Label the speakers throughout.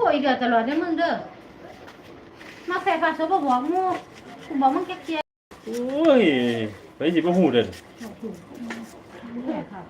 Speaker 1: ยเดือดตลอดเด้อมึงเด้อมาแฝงพาโซบ่บอกงูกูบอกมึงแก่
Speaker 2: โอ้ยไปสิบ่ฮู้เด้อ
Speaker 1: แก่ค่ะ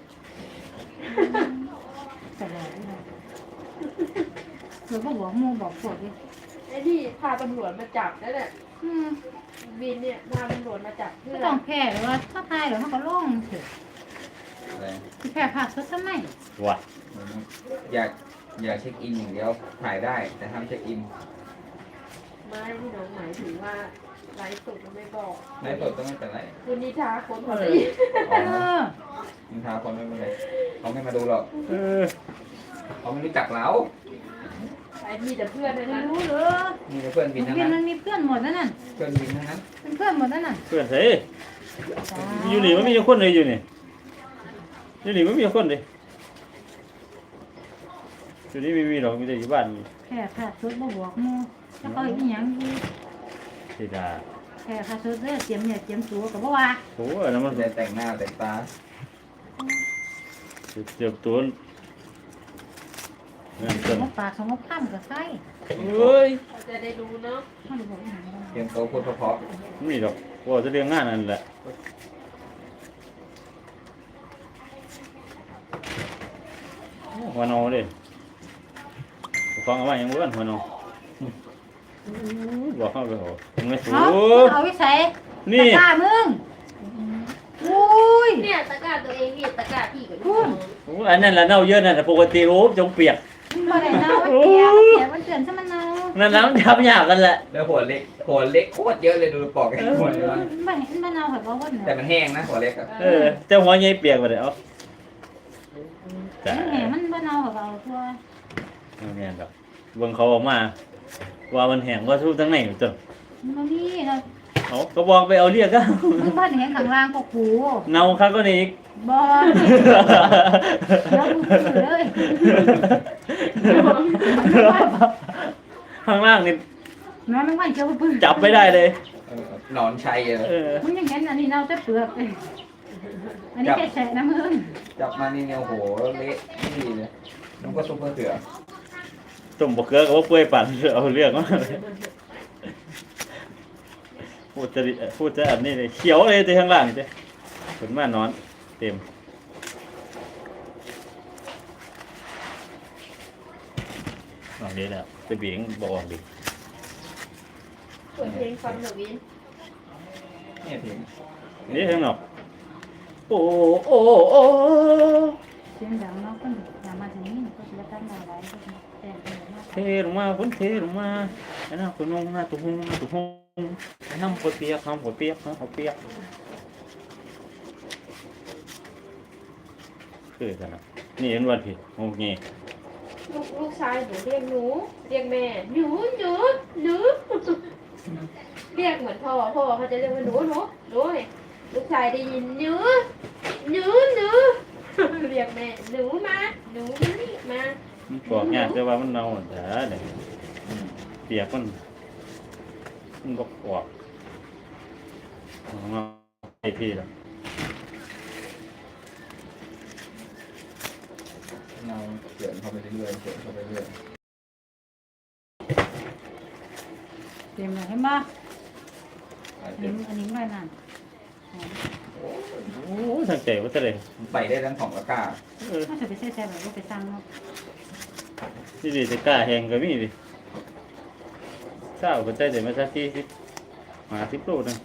Speaker 1: ตลอดเลยเดี๋ยวบ่บอกงูบอกพวกดิ
Speaker 3: ไอ้ที่พาตำรวจมาจับนั่นแหละ
Speaker 1: อืม
Speaker 3: บินเนี่ยพาตำรวจมาจับเพื่
Speaker 1: ไม่
Speaker 3: อ
Speaker 1: ต้องแพ้หรือว่าถ้าตายเดี๋ยวมันก็ลงเถอะ
Speaker 4: อะไร
Speaker 1: สิแพ้พาโซทำไม
Speaker 2: ว่ะ
Speaker 4: อยากเช็คอินอย่างเดียวถ่ายได้แต่ห้ามเช็คอิน
Speaker 3: ไม่ที่น้องหมายถึงว่าไลฟ์สดมันไม่บอก
Speaker 4: ในสดก็ไม่เป็นไร
Speaker 3: คุณนิทาคนพอดี
Speaker 4: อ๋
Speaker 1: เอ
Speaker 4: อ
Speaker 1: อ
Speaker 4: นินทาคนไม่เป็นไรเขาไม่มาดูหรอก
Speaker 2: เออ
Speaker 4: เขาไม่รู้จักเรา
Speaker 3: ไอ้มีแต่เพื่อนเลย
Speaker 1: ไม่
Speaker 3: นะ
Speaker 1: รู้เหรอ
Speaker 4: มีแต่เพื่อนบินทั้ง
Speaker 1: เพื่อน
Speaker 4: นั้น
Speaker 1: มันมีเพื่อนหมดนั่นน่ะ
Speaker 4: เพื่อนบินทั้งนั้น
Speaker 1: เป็นเพื่อนหมดนั่นน่ะ
Speaker 2: เพื่อนไสอยู่นี่มันมีคนเลยอยู่นี่อยู่นี่มันมีคนเลยอยู่นี่ไม่มีหรอกมีแต่อยู่บ้านนี่
Speaker 1: แพ้พาโซบ่บอกงูแล้วก็อีหยังอี
Speaker 2: สิดา
Speaker 1: แพ้พาโซเด้อเตรียมเนี่ยเตรียมตัวก็บ่ว่า
Speaker 2: โอ้ยแล้วมัน
Speaker 4: แต่แต่งหน้าแต่งตา
Speaker 2: เจ็บตัวนั่น
Speaker 1: ส
Speaker 2: ต้น
Speaker 1: มปากสมพันก็ใส่
Speaker 2: เฮ้ย
Speaker 3: เราจะได้รู้เนาะ
Speaker 1: มันบอกอีหยัง
Speaker 4: เตรียมโตวพูดเพราะ
Speaker 2: มีดอกว่าจะเรียงงานนั่นแหละหัวนอเด้ฟังเอาไว้ยังบ้านหัวนอบอกเข้าไปโหมึงไม่สู
Speaker 1: เอาวิสัย
Speaker 2: นี่
Speaker 1: ตามึงอุ้ย
Speaker 3: เนี่ยตะกร้าตัวเองนี่ตะกร้าพี่กับ
Speaker 1: พู
Speaker 3: ลู
Speaker 1: ด
Speaker 3: ก
Speaker 2: อันนั้นแหละเน่าเยอะนั่นแต่ปกติโอ้จงเปียก
Speaker 1: บ่ได้เนามันเปียกมันเปียกมันเตือนซะมันเนา
Speaker 2: นั่นแล้วมันทำยากกันแหละ
Speaker 4: แล้วหัวเล็กโคตรเยอะเลยดูปอกไอ้หัวเลยว่า
Speaker 1: บ่เห็นมันเนาแบบว่าว่า
Speaker 4: แต่
Speaker 1: เนาะ
Speaker 4: มันแห้งนะหัวเล็กอะ
Speaker 2: เออแต่หัวใหญ่เปียกไปเลยเอาจ้า
Speaker 1: แหมมันบ่เนาแบบเอาตัว
Speaker 2: เนี่ยดอกเบิ่งเขาออกมา ว่ามันแห้งว่าสู้ทั้งในอยู่จ้ะ
Speaker 1: มันบ่มีเนาะ
Speaker 2: เขาก็บอกไปเอาเรียกก็
Speaker 1: มึงบ่เห็นข้างล่างก็กู
Speaker 2: เน่าคักก็นี่อีก
Speaker 1: บ่แล้วมึงพูดเลย
Speaker 2: ข้างล่างนี่
Speaker 1: น้องมันเจ้าปื้
Speaker 2: จับไม่ได้เลย
Speaker 4: หนอนชัยอะ
Speaker 2: เออ
Speaker 1: มึงยังเห็นอันนี้เนาแต่เปลือกเลยอันนี้แค่แฉะนะมึง
Speaker 4: จับมานี่เนี่ยโอ้โหเละดีเลยน้องก็ซุปเปอร์เสือ
Speaker 2: ต้มบะเขือกับว่าเปื่อยปั่นเอาเรื่องมาเลยพูดจะอันนี้เลยเขียวเลยที่ข้างล่างนี่เจ้ผลมานอนเต็มออกดีแล้วจะเบี่ยงบอกออกดี
Speaker 3: เปิดเพลงฟังหน่อยวิน
Speaker 4: เนี่ยถึง
Speaker 2: นี่ข้างนอกโอ้โอ้โอ้
Speaker 1: เสียงดังเนาะคนอย่ามาถึงนี่ก็จะตั้งอะไรก็แต่งกันมาก
Speaker 2: เทลงมาฝนเทลงมาไอ้น้าคุณนงหน้าตุ้งตุ้งไอ้น้ำหัวเปียกน้ำหัวเปียกน้ำหัวเปียกคือกันนะนี่เห็นวันผิดโอเค
Speaker 3: ลูกชายหนูเรียกหนูเรียกแม่หนูหนูหนูเรียกเหมือนพ่อเขาจะเรียกว่าหนูหนูหนูเนี่ยลูกชายได้ยินหนูหนูหนูเรียกแม่หนูมาหนูนี่มา
Speaker 2: มันปอกยากแต่ว่ามันเน่าแต่เนี่ยเปียกมันก็ปอกมาไอพี่แล้ว
Speaker 4: เราเขียนเข้าไปเรื่อยๆเขียนเข้าไปเรื่อย
Speaker 1: เตรียมเลยเห็นป่ะ
Speaker 4: อาจ
Speaker 1: เห็
Speaker 4: จะ
Speaker 1: นอันนี้ไว้นั่น
Speaker 2: โอ้ทางใจว่าจะเลย
Speaker 4: ไปได้ทั้งสองตะกร้า
Speaker 1: ถ้าจะไปแช่แบบว่าไปตั้งเนาะ
Speaker 2: นี่ดิจะกล้าแหงก็มีดิเศร้าก็ใจเดี๋ยวมาสักทีสิมา10 โลนึง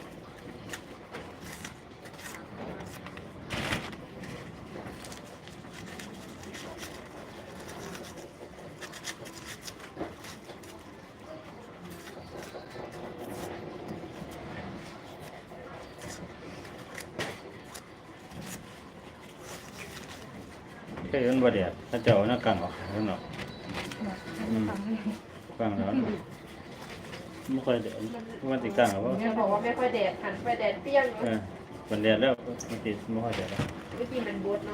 Speaker 2: เคยเห็นบ่เดียดถ้าเจ้าหน้ากังออกข้างนอก
Speaker 1: ฟังเลย
Speaker 2: กังแล้วไม่ค่อยเดือดมันติดกังหรอวะ
Speaker 3: แม่บอกว่าไม่ค่อยแดดหันไปแดดเปรี้ยง
Speaker 2: เออมันเดือดแล้วมันติดไม่ค่อยเดือดแล้ว
Speaker 3: เมื่อกี้มันบดเนาะ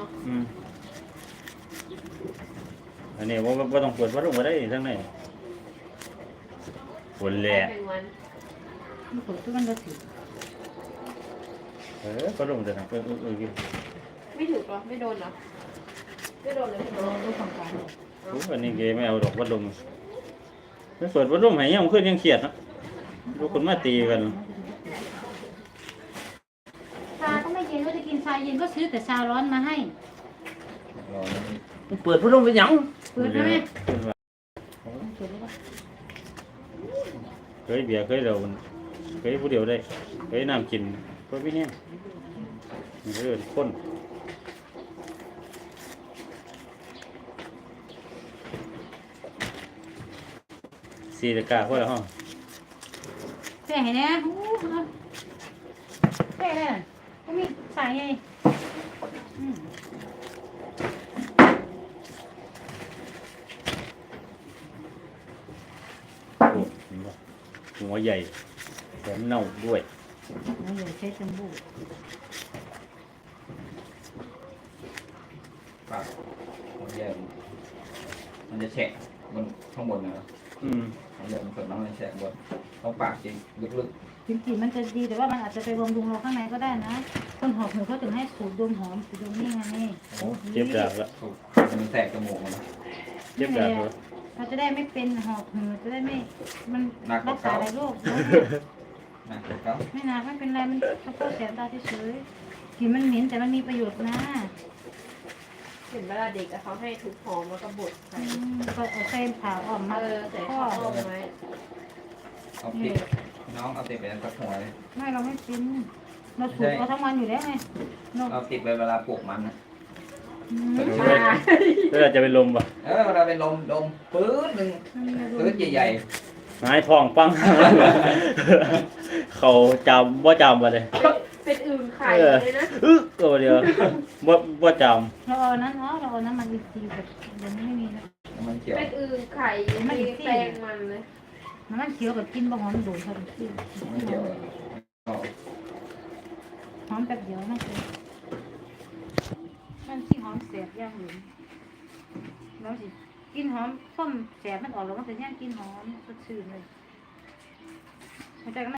Speaker 2: อันนี้ว่าต้องเปิดพัดลมมาได้ทั้งในฝนแหละ
Speaker 3: เป็นวัน
Speaker 1: มันเปิดทุกวันละสิ
Speaker 2: พัดลมจะทำ
Speaker 3: ไม่ถูกหรอไม่โดนหรอไม่โดนเลย
Speaker 1: เราดูฟังก่อน
Speaker 3: อ๋อ
Speaker 2: โอ้อันนี้เกไม่เอาดอกวัดลมไม่เปิดวัดลมให้ยังขึ้นยังเครียดนะลูกคนมาตีกัน
Speaker 1: ชาก็ไม่เย็นก็จะกินชาเย็นก็ซื้อแต่ชาร้อนมาให้
Speaker 4: รอแล้วนี่
Speaker 2: เปิดพัดลมไปยัง
Speaker 1: เปิดไหม
Speaker 2: เคยเบียร์เคยเราเคยผู้เดียวได้เคยน้ำกินก็พี่เนี่ยมันก็เดินข้นสี่ตะกร้าพวกเราห้อง
Speaker 1: แค่ไหนเนี่ยแค่ไหนก็มีใส่ไง
Speaker 2: โอ้เห็นปะหัวใหญ่แถมเน่าด้วย
Speaker 1: เราอย่าใช้จมูก
Speaker 4: ปากมันแย่มันจะแฉะบนข้างบนนะ
Speaker 2: อืม
Speaker 4: มันจะมันเกิดน้ำมันแฉะบนต้องปากจริงลึก
Speaker 1: จริงๆมันจะดีแต่ว่ามันอาจจะไปบำรุงเราข้างในก็ได้นะคนหอบหืดเขาถึงให้สูดดมหอมสูดดมนี่ไงนี่
Speaker 2: เจ็บดาบละ
Speaker 4: ๆถูกมันแสบจมูกมัน
Speaker 2: เจ็บดาบละ
Speaker 1: เราจะได้ไม่เป็นหอบหืดจะได้ไม่มันรักษาหลายโรค
Speaker 4: นะเขา
Speaker 1: ไม่หนักไม่เป็นไรมันเฉพาะแสบตาเฉยๆกลิ่นมันเหม็นแต่มันมีประโยชน์นะ
Speaker 3: เห็นเวลาเด็กอะเขาให้ทุบหอมแล้วก็บดใส่
Speaker 1: ก็เอาเส้นผ่าออกมา
Speaker 3: ใส่
Speaker 1: ข้อ
Speaker 3: ข้าวต้มไว้
Speaker 4: เอาติดน้องเอาติดไปนั้นสักหัวเลย
Speaker 1: ไม่เราไม่เป็นเราสูดเราทั้งวันอยู่แล้วไงนก
Speaker 4: เอาติดไปเวลาปลูกมันนะ
Speaker 2: แล้วเราจะเป็นลมปะ
Speaker 4: เวลาเป็นลมปื้ดหนึ่งปื้ดใหญ่
Speaker 2: หายทองปัง เขาจำว่าจำมาเลย
Speaker 3: เป็นอื่นไข่เลยนะ
Speaker 2: ตัวเดียวว่าจ
Speaker 1: เราเอานั้นเนาะเราเอาน้ำมันอีกทีแบบเดี๋ยวนี้ไม่มีแล้ว
Speaker 4: ๆมันเขียว
Speaker 3: เป็นอื่นไข่มีแปลงมันเลย
Speaker 1: น้ำมันเขียวกับกินบะหอมโดนเขาดูสิ
Speaker 4: มันเขียวเอา
Speaker 1: หอมแป๊บเดียวนั่นคือมันที่หอมแสบย่างหลุมแล้วสิกินหอมส้มแสบมันออกแล้วมันจะย่างกินหอมสดชื่นเลยเข้าใจกันไหม